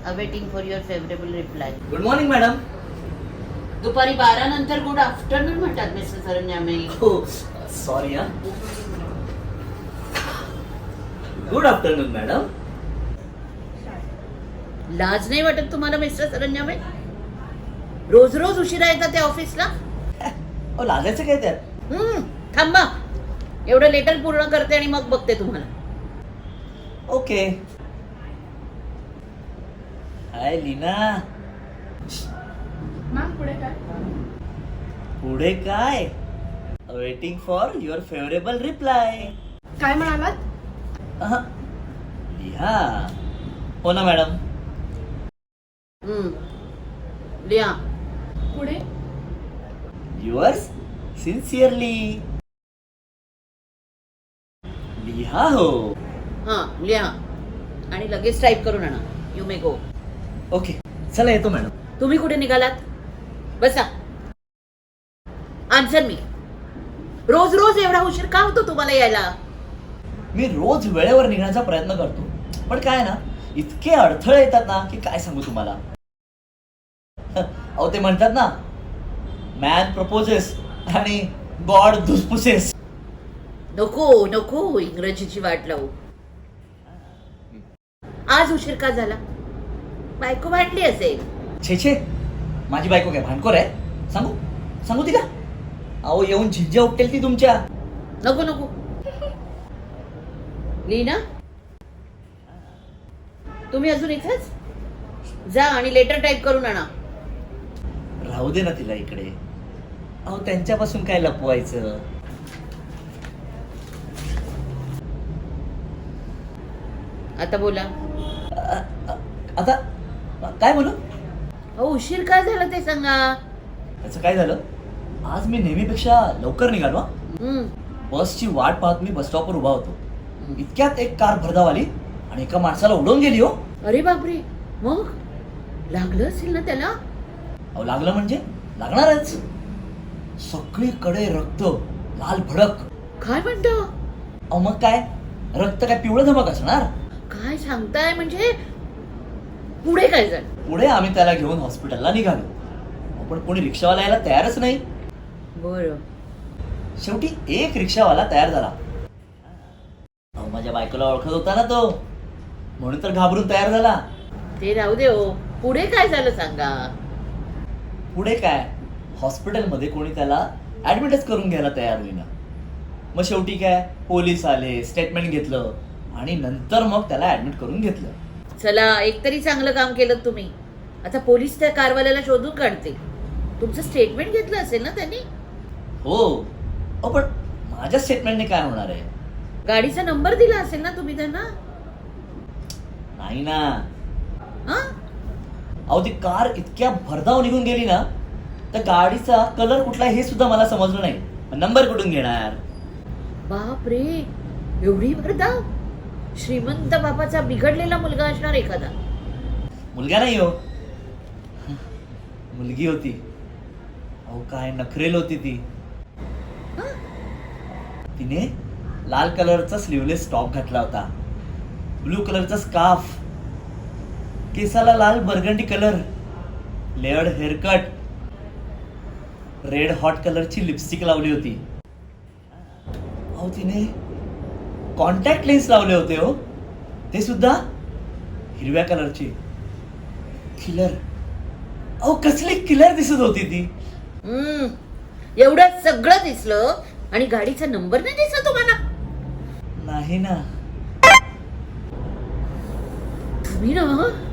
Awaiting for your favourable reply. Good morning madam. दुपारी 12 नंतर good afternoon म्हणतात mister सरन्यामे. हो सॉरी हा. Good afternoon madam. लाज नाही वाटत तुम्हाला मिस्टर सरन्यामे? रोज रोज उशिरा येतात त्या ऑफिसला. अहो लाजायचं काय त्यात? थांबा, एवढं लेटर पूर्ण करते आणि मग बघते तुम्हाला. ओके. हाय लीना. मॅम पुढे काय? पुढे काय? Waiting for your favourable reply. काय म्हणालात? लिहा. हो ना मॅडम. लिहा. पुढे? Yours sincerely. लिहा हो. हा लिहा आणि लगेच टाईप करून आणा. You may go. ओके चला येतो मॅडम. तुम्ही कुठे निघालात? बसा. आन्सर मी. रोज रोज एवढा उशीर का होतो तुम्हाला यायला? मी रोज वेळेवर निघण्याचा प्रयत्न करतो, पण काय ना इतके अडथळे येतात ना की काय सांगू तुम्हाला. अहो ते म्हणतात ना, मॅन प्रपोजेस आणि गॉड धुसफुसेस. नको नको इंग्रजीची वाट लावू. आज उशीर का झाला? बायको भांडली असेल. छे छे, माझी बायको काय भांडखोर आहे? सांगू सांगू तिला? अहो येऊन झिंज्या उपटेल ती तुमच्या. नको नको. लीना, तुम्ही अजून इथेच? जा आणि लेटर टाईप करून आणा. राहू दे ना तिला इकडे. अहो त्यांच्यापासून काय लपवायचं. आता बोला. आता काय बोलू? अहो उशीर का झाला ते सांगा. त्याचं काय झालं, आज मी नेहमीपेक्षा लवकर निघालो. बसची वाट पाहत मी बस स्टॉपवर उभा होतो. इतक्यात एक कार भरधाव आली आणि एका माणसाला उडवून गेली. हो अरे बापरे. मग लागलं असेल ना त्याला? अहो लागलं म्हणजे लागणारच. सगळीकडे रक्त, लाल भडक. काय म्हणतो? अहो मग काय, रक्त काय पिवळं धमक असणार? काय सांगताय? म्हणजे पुढे काय झालं? पुढे आम्ही त्याला घेऊन हॉस्पिटलला निघालो, पण कोणी रिक्षावाला यायला तयारच नाही. बरं. शेवटी एक रिक्षावाला तयार झाला. अहो माझ्या बायकोला ओळखत होता ना तो, म्हणून तर घाबरून तयार झाला. ते राहू दे हो. पुढे काय झालं सांगा. पुढे काय, हॉस्पिटलमध्ये कोणी त्याला ऍडमिटच करून घ्यायला तयार होईना. मग शेवटी काय, पोलीस आले, स्टेटमेंट घेतलं आणि नंतर मग त्याला ऍडमिट करून घेतलं. चला, एकतरी चांगलं काम केलं तुम्ही. आता पोलीस त्या कारवाल्याला शोधून काढते. तुमचं स्टेटमेंट घेतलं असेल ना त्यांनी? हो. अहो पण माझ्या स्टेटमेंटने काय होणार आहे? गाडीचा नंबर दिला असेल ना तुम्ही त्यांना? नाही ना. हा? अहो ती कार इतक्या भरधाव निघून गेली ना, तर गाडीचा कलर कुठला हे सुद्धा मला समजलं नाही. नंबर कुठून घेणार? बाप रे, एवढी भरधाव? श्रीमंत बापाचा बिघडलेला मुलगा असणार एखादा. मुलगा नाही हो, मुलगी होती. अहो काय नखरेल होती ती. तिने लाल कलरचा स्लीवलेस टॉप घातला होता, ब्लू कलरचा स्कार्फ, केसाला लाल burgundy colour, layered haircut, red hot कलरची लिपस्टिक लावली होती. अहो तिने कॉन्टॅक्ट लेन्स लावले होते हो, ते सुद्धा हिरव्या कलरचे. किलर. अहो कसली किलर दिसत होती ती. एवढं सगळं दिसलं आणि गाडीचा नंबर नाही दिसला तुम्हाला? नाही ना. तुम्ही ना